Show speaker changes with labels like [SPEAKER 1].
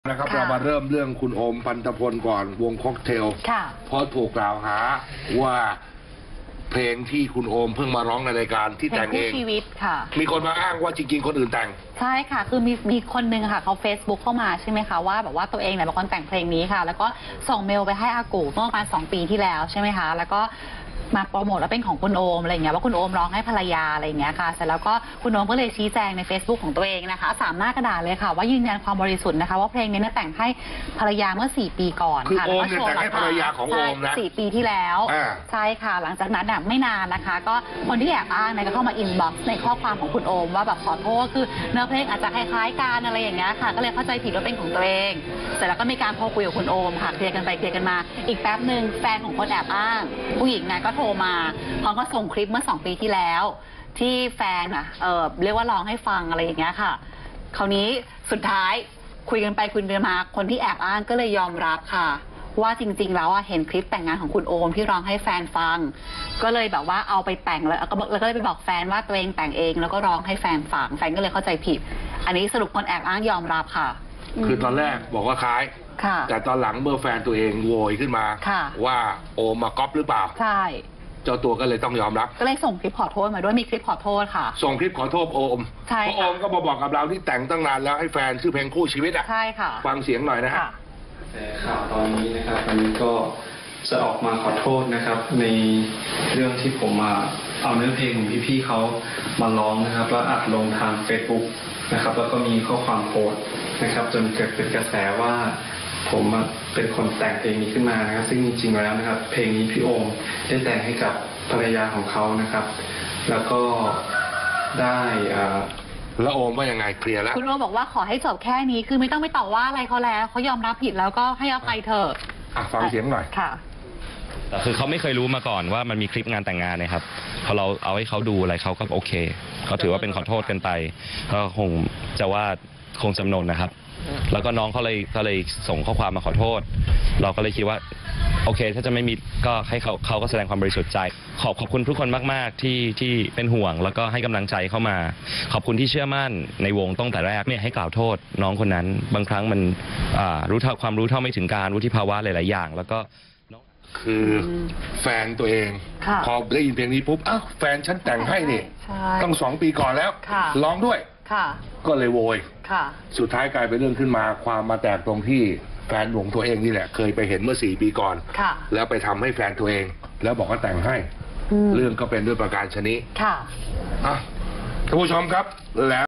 [SPEAKER 1] นะครับเรามาเริ่มเรื่องคุณโอมปันธพลก่อนวงค็อกเทลเพราะถูกกล่าวหาว่าเพลงที่คุณโอมเพิ่งมาร้องในรายการที่แต่งเอง
[SPEAKER 2] ชีวิตค่ะ
[SPEAKER 1] มีคนมาอ้างว่าจริงๆคนอื่นแต่ง
[SPEAKER 2] ใช่ค่ะคือมีคนนึงค่ะเขาFacebookเข้ามาใช่ไหมคะว่าแบบว่าตัวเองเนี่ยเป็นคนแต่งเพลงนี้ค่ะแล้วก็ส่งเมลไปให้อากูเมื่อประมาณ2 ปีที่แล้วใช่ไหมคะแล้วก็มาโปรโมทว่าเป็นของคุณโอมอะไรเงี้ยว่าคุณโอมร้องให้ภรรยาอะไรเงี้ยค่ะเสร็จแล้วก็คุณโอมก็เลยชี้แจงใน Facebook ของตัวเองนะคะ3 หน้ากระดาษเลยค่ะว่ายืนยันความบริสุทธิ์นะคะว่าเพลงนี้แต่งให้ภรรยาเมื่อ4 ปีก่อน
[SPEAKER 1] ค่ะคือโอมเนี่ยแต่งให้ภรรยาของโอมนะ
[SPEAKER 2] 4 ปีที่แล้วใช่ค่ะหลังจากนั้นไม่นานนะคะก็คนที่แอบอ้างเนี่ยก็เข้ามาอินบ็อกซ์ในข้อความของคุณโอมว่าแบบขอโทษคือเนื้อเพลงอาจจะคล้ายๆกันอะไรอย่างเงี้ยค่ะก็เลยเข้าใจผิดว่าเป็นของตัวเองเสร็จแล้วก็มีการโทรคุยกับคุณโอมค่ะเคลียร์กันไปเคลียร์กันมาอีกแป๊บหนึ่งแฟนของคนแอบอ้างผู้หญิงนะก็โทรมาเขาก็ส่งคลิปเมื่อ2 ปีที่แล้วที่แฟนเรียกว่าร้องให้ฟังอะไรอย่างเงี้ยค่ะคราวนี้สุดท้ายคุยกันไปคุยกันมาคนที่แอบอ้างก็เลยยอมรับค่ะว่าจริงๆแล้วเห็นคลิปแต่งงานของคุณโอมที่ร้องให้แฟนฟังก็เลยแบบว่าเอาไปแต่งแล้วก็เลยไปบอกแฟนว่าตัวเองแต่งเองแล้วก็ร้องให้แฟนฟังแฟนก็เลยเข้าใจผิดอันนี้สรุปคนแอบอ้างยอมรับค่ะ
[SPEAKER 1] คือตอนแรกบอกว่าคล้ายแต่ตอนหลังเมื่อแฟนตัวเองโวยขึ้นมาว่าโอมมาก๊อปหรือเปล่า
[SPEAKER 2] ใช่
[SPEAKER 1] เจ้าตัวก็เลยต้องยอมรับ
[SPEAKER 2] ก็เลยส่งคลิปขอโทษมาด้วยมีคลิปขอโทษค่ะ
[SPEAKER 1] ส่งคลิปขอโทษโอม
[SPEAKER 2] ใช่
[SPEAKER 1] เพราะโอมก็มาบอกกับเราที่แต่งตั้งนานแล้วให้แฟนชื่อเพลงคู่ชีวิต
[SPEAKER 2] ใช่ค่ะ
[SPEAKER 1] ฟังเสียงหน่อยนะฮะ
[SPEAKER 3] แต่ข่าวตอนนี้นะครับวันนี้ก็จะออกมาขอโทษนะครับในเรื่องที่ผมเอาเนื้อเพลงของพี่ๆเขามาร้องนะครับแล้วอัดลงทาง Facebook นะครับแล้วก็มีข้อความโพสต์นะครับจนเกิดเป็นกระแสว่าผมเป็นคนแต่งเพลงนี้ขึ้นมานะครับซึ่งจริงๆแล้วนะครับเพลงนี้พี่โอมได้แต่งให้กับภรรยาของเขานะครับแล้วก็ได้
[SPEAKER 1] แล้วโอมว่ายังไงเคลียร์แล้ว
[SPEAKER 2] คุณโอมบอกว่าขอให้จบแค่นี้คือไม่ต้องไปต่อว่าอะไรเขาแล้วเขายอมรับผิดแล้วก็ให้อภัยเถอะ
[SPEAKER 1] ฟังเสียงหน่อย
[SPEAKER 2] ค่ะ
[SPEAKER 4] แต่คือเขาไม่เคยรู้มาก่อนว่ามันมีคลิปงานแต่งงานนะครับพอเราเอาให้เขาดูอะไรเขาก็โอเคเขาถือว่าเป็นขอโทษกันไปก็คงจะว่าคงจำนนนะครับแล้วก็น้องเขาเลยส่งข้อความมาขอโทษเราก็เลยคิดว่าโอเคถ้าจะไม่มีก็ให้เขาก็แสดงความบริสุทธิ์ใจขอบคุณทุกคนมากๆที่เป็นห่วงแล้วก็ให้กำลังใจเข้ามาขอบคุณที่เชื่อมั่นในวงตั้งแต่แรกเนี่ยให้กล่าวโทษน้องคนนั้นบางครั้งมันความรู้เท่าไม่ถึงการวุฒิภาวะหลายๆอย่างแล้วก็
[SPEAKER 1] คือแฟนตัวเองพอได้ยินเพลงนี้ปุ๊บอ้าวแฟนฉันแต่งให้นี่ตั้ง2 ปีก่อนแล้วร้องด้วยก็เลยโวยสุดท้ายกลายเป็นเรื่องขึ้นมาความมาแตกตรงที่แฟนวงตัวเองนี่แหละเคยไปเห็นเมื่อ4 ปีก่อนแล้วไปทำให้แฟนตัวเองแล้วบอกว่าแต่งให้เรื่องก็เป็นด้วยประการชนิดท่านผู้ชมครับแล้ว